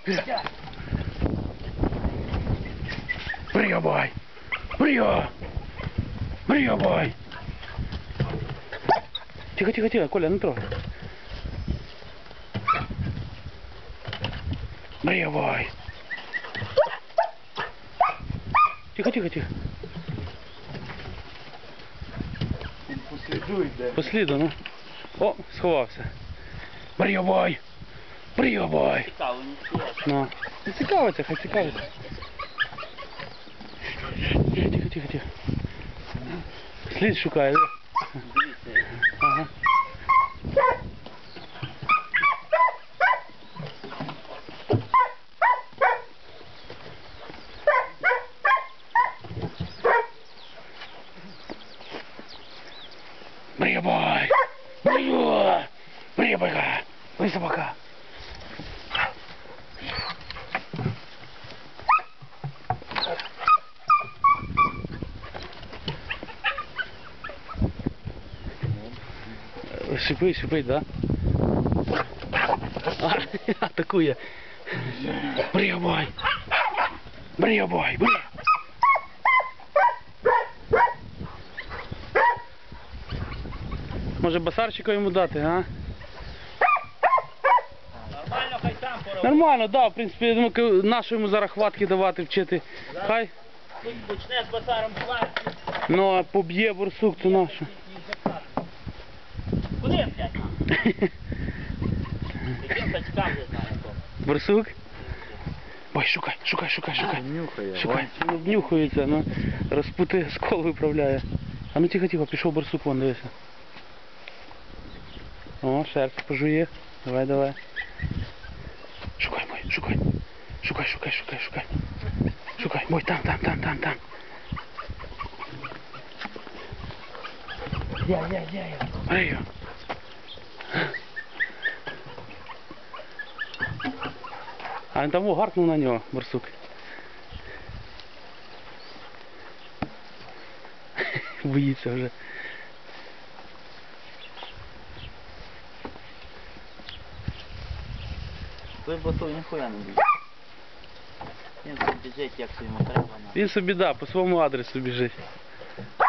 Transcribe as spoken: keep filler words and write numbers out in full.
Приябай! Прия! Приябай! Тихо, тихо, тихо, Коля, не трогай. Приябай! Тихо, тихо, тихо. Послідуй, де. Посліду, ну. О, сховався. Приябай! Приябай! Цікаво, не цікаво. Ну. Не цікавиться, хай цікавиться. Тихо, тихо, тихо, тихо. Слід шукає, да? Дивіться. Ага. Приябай! Приябай! Приябай-ка! Ой, собака! Шипить, шипить, да? А, атакує. Приябай! Приябай! Бри! Може басарчика йому дати, а? Нормально, хай сам поробить. Нормально, да, в принципі, я думаю, нащо йому зараз хватки давати, вчити. Хай, Тут почне з басаром хватить. ну а поб'є борсук, то нащо? Куди, блядь? Яким качкам не знаю. Борсук? Ой, шукай, шукай, шукай, шукай. Нюхає. Шукай, він обнюхується, ну, розпутує, скол виправляє. А ну тихо, тихо, пішов борсук, вон, дивися. О, шерсть пожує. Давай, давай. Шукай, бой, шукай. Шукай, шукай, шукай, шукай. Шукай, бой, там, там, там, там, там. Я, я, я, я. Ей. А він там гаркнув на нього, борсук. Боїться вже. Той босой ніхуя не біжить. Він тут біжить, як йому треба. Він собі, да, по своєму адресу біжить.